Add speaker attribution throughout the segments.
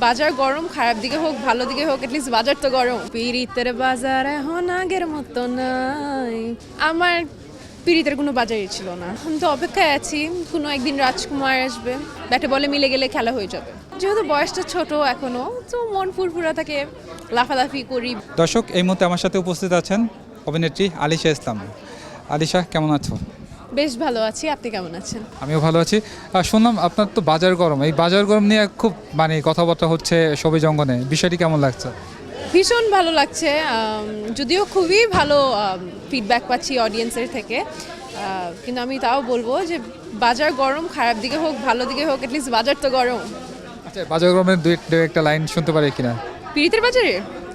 Speaker 1: বাজার গরম, খারাপ দিকে হোক ভালো দিকে হোক, এটলিস্ট বাজার তো গরম। পীড়িতের বাজার এখন আগের মতো নাই। আমার পীড়িতের কোনো বাজারই ছিল না। আমি তো অপেক্ষায় আছি, কোনো একদিন রাজকুমার আসবে, ব্যাটে বলে মিলে গেলে খেলা হয়ে যাবে। যেহেতু বয়সটা ছোট এখনো, তো মন ফুরফুরা থাকে, লাফালাফি করি।
Speaker 2: দর্শক, এই মুহূর্তে আমার সাথে উপস্থিত আছেন অভিনেত্রী আলিশা ইসলাম। আলিশা, কেমন আছো?
Speaker 1: বেশ ভালো আছি, আপনি কেমন আছেন?
Speaker 2: আমিও ভালো আছি। শুনলাম আপনার তো বাজার গরম, এই বাজার গরম নিয়ে খুব কথাবার্তা হচ্ছে সবুজ অঙ্গনে, বিষয়টি কেমন লাগছে?
Speaker 1: ভীষণ ভালো লাগছে, যদিও খুবই ভালো ফিডব্যাক পাচ্ছি অডিয়েন্সের থেকে, কিন্তু আমি তাও বলবো যে বাজার গরম, খারাপ দিকে হোক ভালো দিকে হোক, এটলিস্ট বাজার তো গরম।
Speaker 2: আচ্ছা, বাজার গরমের দুই একটা লাইন শুনতে পারি কিনা?
Speaker 1: পীড়িতের বাজারে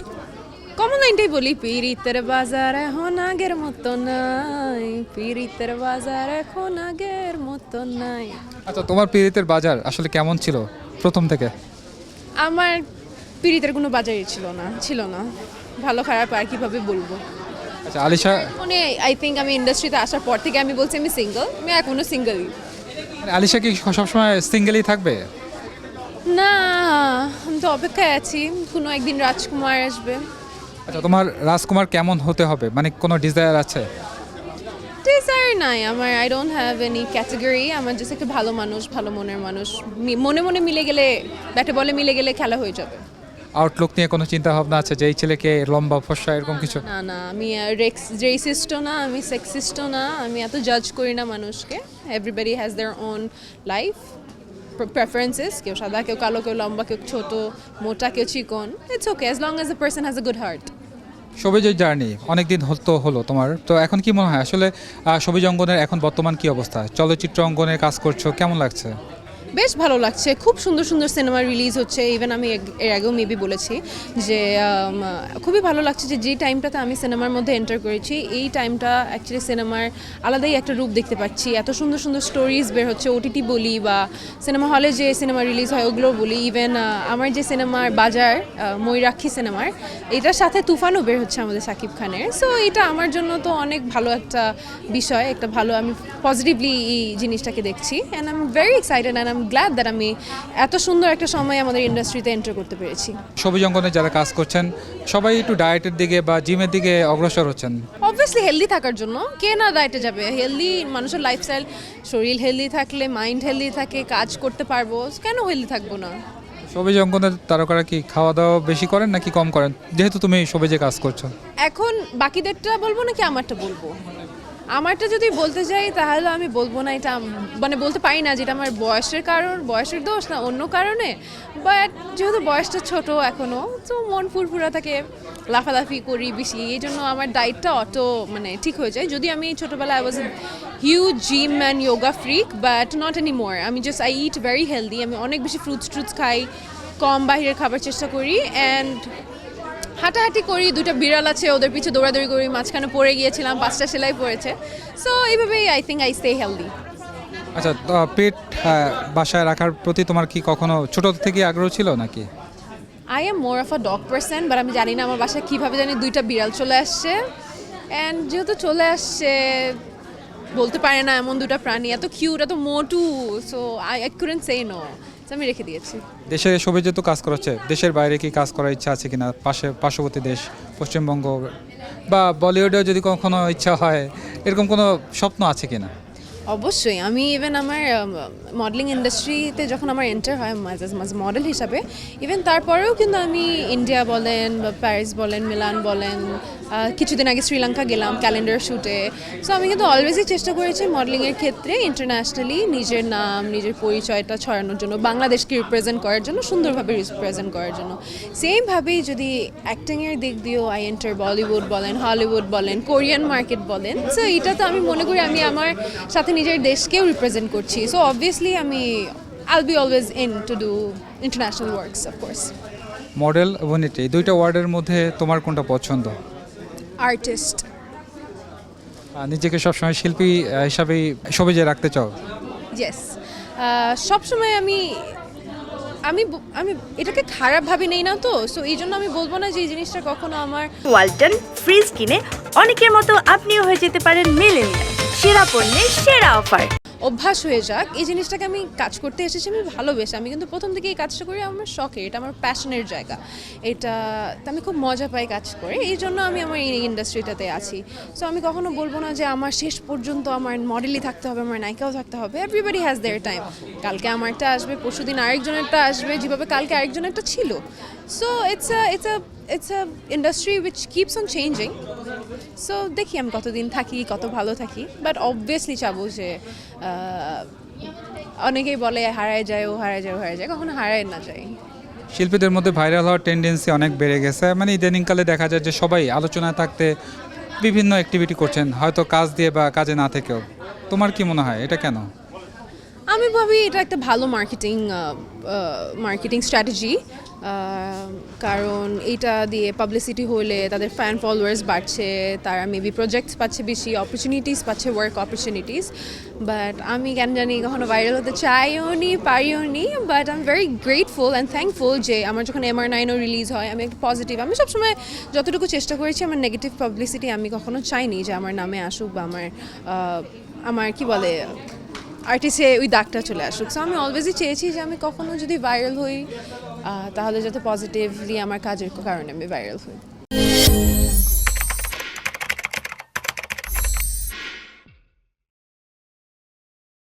Speaker 1: কমন লাইনটাই বলি, পীড়িতের বাজার এখন আগের মতো নাই, পীড়িতের বাজার এখন আগের মতো নাই।
Speaker 2: আচ্ছা, তোমার পীড়িতের বাজার আসলে কেমন ছিল প্রথম থেকে?
Speaker 1: আমার পীড়িতের কোনো বাজারই ছিল না, ভালো খারাপ আর কিভাবে বলবো।
Speaker 2: আচ্ছা আলিশা,
Speaker 1: মানে আই থিঙ্ক আমি ইন্ডাস্ট্রিতে আসার পর থেকে আমি বলছি আমি সিঙ্গেল, আমি এখনো সিঙ্গেলই।
Speaker 2: আলিশা কি সবসময় সিঙ্গেলই থাকবে?
Speaker 1: না, আমি তো অপেক্ষায় আছি, কোনো একদিন রাজকুমার আসবে।
Speaker 2: আচ্ছা, তোমার রাজকুমার কেমন হতে হবে, কোনো ডিজায়ার আছে?
Speaker 1: ডিজায়ার নাই আমার, I don't have any category. আমার জাস্ট একটা ভালো মানুষ, ভালো মনের মানুষ, মনে মনে মিলে গেলে, ব্যাটে বলে মিলে গেলে খেলা হয়ে যাবে।
Speaker 2: আউটলুক নিয়ে কোনো চিন্তা ভাবনা আছে যে এই ছেলেকে লম্বা ফর্সা এরকম কিছু?
Speaker 1: না না, আমি রেসিস্টও না, আমি সেক্সিস্টও না, আমি এত জাজ করি না মানুষকে। Everybody has their own life preferences, কেউ সাদা, কেউ কালো, কেউ লম্বা, কেউ ছোট, মোটা, কেউ চিকন। It's okay as long as the person has a good heart.
Speaker 2: সবুজের জার্নি অনেকদিন হলো তোমার, তো এখন কি মনে হয় আসলে সবুজ অঙ্গনের এখন বর্তমান কি অবস্থা? চলচ্চিত্র অঙ্গনে কাজ করছো, কেমন লাগছে?
Speaker 1: বেশ ভালো লাগছে, খুব সুন্দর সুন্দর সিনেমা রিলিজ হচ্ছে। ইভেন আমি এর আগেও মেবি বলেছি যে খুবই ভালো লাগছে যে টাইমটাতে আমি সিনেমার মধ্যে এন্টার করেছি, এই টাইমটা অ্যাকচুয়ালি সিনেমার আলাদাই একটা রূপ দেখতে পাচ্ছি। এত সুন্দর সুন্দর স্টোরিজ বের হচ্ছে, ওটিটি বলি বা সিনেমা হলে যে সিনেমা রিলিজ হয় ওগুলো বলি। ইভেন আমার যে সিনেমার বাজার, ময়ূরাক্ষী সিনেমার, এটার সাথে তুফানও বের হচ্ছে আমাদের শাকিব খানের। সো এটা আমার জন্য তো অনেক ভালো একটা বিষয়, একটা ভালো, আমি পজিটিভলি এই জিনিসটাকে দেখছি। And I am very excited and I am glad that আমি এত সুন্দর একটা সময় আমাদের ইন্ডাস্ট্রিতে এন্টার করতে পেরেছি।
Speaker 2: সবুজ অঙ্গনে যারা কাজ করছেন সবাই একটু ডায়েটের দিকে বা জিমের দিকে অগ্রসর হচ্ছেন।
Speaker 1: অবভিয়াসলি হেলদি থাকার জন্য, কে না ডায়েটে যাবে? হেলদি মানুষের লাইফস্টাইল, শরীর হেলদি থাকলে মাইন্ড হেলদি থাকে, কাজ করতে পারবো, কেন হেলদি থাকবো না?
Speaker 2: সবুজ অঙ্গনের তারকারা কি খাওয়া দাওয়া বেশি করেন নাকি কম করেন, যেহেতু তুমি সবুজে কাজ করছো?
Speaker 1: এখন বাকিদেরটা বলবো নাকি আমারটা বলবো? আমারটা যদি বলতে যাই তাহলে আমি বলবো না, এটা বলতে পারি না যেটা আমার বয়সের কারণ, বয়সের দোষ না অন্য কারণে। বাট যেহেতু বয়সটা ছোট এখনও, তো মন ফুরফুরা থাকে, লাফালাফি করি বেশি, এই জন্য আমার ডায়েটটা ঠিক হয়ে যায়। যদি আমি ছোটোবেলায় I was huge gym and yoga freak, but not any more. আমি just I eat very healthy, আমি অনেক বেশি ফ্রুটস খাই, কম বাইরের খাবার চেষ্টা করি, অ্যান্ড হাঁটাহাঁটি করি। দুটো বিড়াল আছে, ওদের পিছু দৌড়াদৌড়ি করি, মাঝখানে পড়ে গিয়েছিলাম, 5টা সেলাই পড়েছে। সো এইভাবেই I think I stay healthy.
Speaker 2: আচ্ছা, পেট বাসায় রাখার প্রতি তোমার কি কখনো ছোট থেকে আগ্রহ ছিল নাকি?
Speaker 1: I am more of a dog person, but আমি জানি না আমার বাসায় কীভাবে জানি 2টা বিড়াল চলে আসছে। অ্যান্ড যেহেতু চলে আসছে, বলতে পারে না এমন 2টা প্রাণী এত কিউট, এত মোটু, so I couldn't say no, আমি রেখে দিয়েছি।
Speaker 2: দেশে সবুজে তো কাজ করাচ্ছে, দেশের বাইরে কি কাজ করার ইচ্ছা আছে কিনা? পার্শ্ববর্তী দেশ পশ্চিমবঙ্গ বা বলিউডেও যদি কখনো ইচ্ছা হয়, এরকম কোনো স্বপ্ন আছে কিনা?
Speaker 1: অবশ্যই, আমি ইভেন আমার মডেলিং ইন্ডাস্ট্রিতে যখন আমার এন্টার হয় মাঝে মাঝে মডেল হিসাবে, ইভেন তারপরেও কিন্তু আমি ইন্ডিয়া বলেন বা প্যারিস বলেন, মিলান বলেন, কিছুদিন আগে শ্রীলঙ্কা গেলাম ক্যালেন্ডার শ্যুটে। সো আমি কিন্তু অলওয়েজই চেষ্টা করেছি মডেলিংয়ের ক্ষেত্রে ইন্টারন্যাশনালি নিজের নাম, নিজের পরিচয়টা ছড়ানোর জন্য, বাংলাদেশকে রিপ্রেজেন্ট করার জন্য, সুন্দরভাবে রিপ্রেজেন্ট করার জন্য। সেমভাবেই যদি অ্যাক্টিংয়ের দিক দিয়েও আই এন্টার বলিউড বলেন, হলিউড বলেন, কোরিয়ান মার্কেট বলেন। সো এটা তো আমি মনে করি আমি আমার সাথে নিজের দেশকেও রিপ্রেজেন্ট করছি। So obviously I'll be always in to do international works, of course.
Speaker 2: Model অভিনেত্রী, এই দুইটা ওয়ার্ডের মধ্যে তোমার কোনটা পছন্দ?
Speaker 1: আর্টিস্ট।
Speaker 2: নিজেকে সবসময় শিল্পী হিসাবেই সবুজে রাখতে চাও?
Speaker 1: ইয়েস, সবসময় আমি এটাকে খারাপভাবে নেই না, তো সো এই জন্য আমি বলবো না যে এই জিনিসটা কখনো আমার।
Speaker 3: ওয়ালটন ফ্রিজ কিনে অনেকের মতো আপনিও হয়ে যেতে পারেন মিলেনিয়াল, সেরা পণ্যের সেরা অফার।
Speaker 1: অভ্যাস হয়ে যাক, এই জিনিসটাকে আমি কাজ করতে এসেছি আমি ভালোবেসে। আমি কিন্তু প্রথম থেকে এই কাজটা করি আমার শখে, এটা আমার প্যাশনের জায়গা, এটা আমি খুব মজা পাই কাজ করে, এই জন্য আমি আমার এই ইন্ডাস্ট্রিটাতে আছি। সো আমি কখনো বলবো না যে আমার শেষ পর্যন্ত আমার মডেলই থাকতে হবে, আমার নায়িকাও থাকতে হবে। এভরিবডি হ্যাজ দেয়ার টাইম, কালকে আমারটা আসবে, পরশুদিন আরেকজনেরটা আসবে, যেভাবে কালকে আরেকজনেরটা ছিল। So it's a industry which keeps on changing. So দেখি আমি কতদিন থাকি, কত ভালো থাকি, বাট অবভিয়াসলি চাবো যে অনেকেই বলে হারায় যায়, ও হারায় যায়, ও হারায় যায়, কখনো হারায় না যায়।
Speaker 2: শিল্পীদের মধ্যে ভাইরাল হওয়ার টেন্ডেন্সি অনেক বেড়ে গেছে, মানে ইদানিংকালে দেখা যায় যে সবাই আলোচনায় থাকতে বিভিন্ন অ্যাক্টিভিটি করছেন, হয়তো কাজ দিয়ে বা কাজে না থেকেও। তোমার কি মনে হয় এটা কেন?
Speaker 1: আমি ভাবি এটা একটা ভালো মার্কেটিং স্ট্র্যাটেজি, কারণ এটা দিয়ে পাবলিসিটি হলে তাদের ফ্যান ফলোয়ার্স বাড়ছে, তারা মেবি প্রজেক্টস পাচ্ছে, বেশি অপরচুনিটিস পাচ্ছে, ওয়ার্ক অপরচুনিটিস। বাট আমি কেন জানি কখনো ভাইরাল হতে চাইও নি, পারিও নি, but I am very grateful and thankful যে আমার যখন MR9ও রিলিজ হয়, আমি একটা পজিটিভ, আমি সবসময় যতটুকু চেষ্টা করেছি আমার নেগেটিভ পাবলিসিটি আমি কখনো চাইনি যে আমার নামে আসুক বা আমার কি বলে আর্টিস্টে ওই দাগটা চলে আসুক। সো আমি অলওয়েজই চেয়েছি যে আমি কখনো যদি ভাইরাল হই তাহলে যাতে পজিটিভলি আমার কাজের কারণে আমি ভাইরাল হই।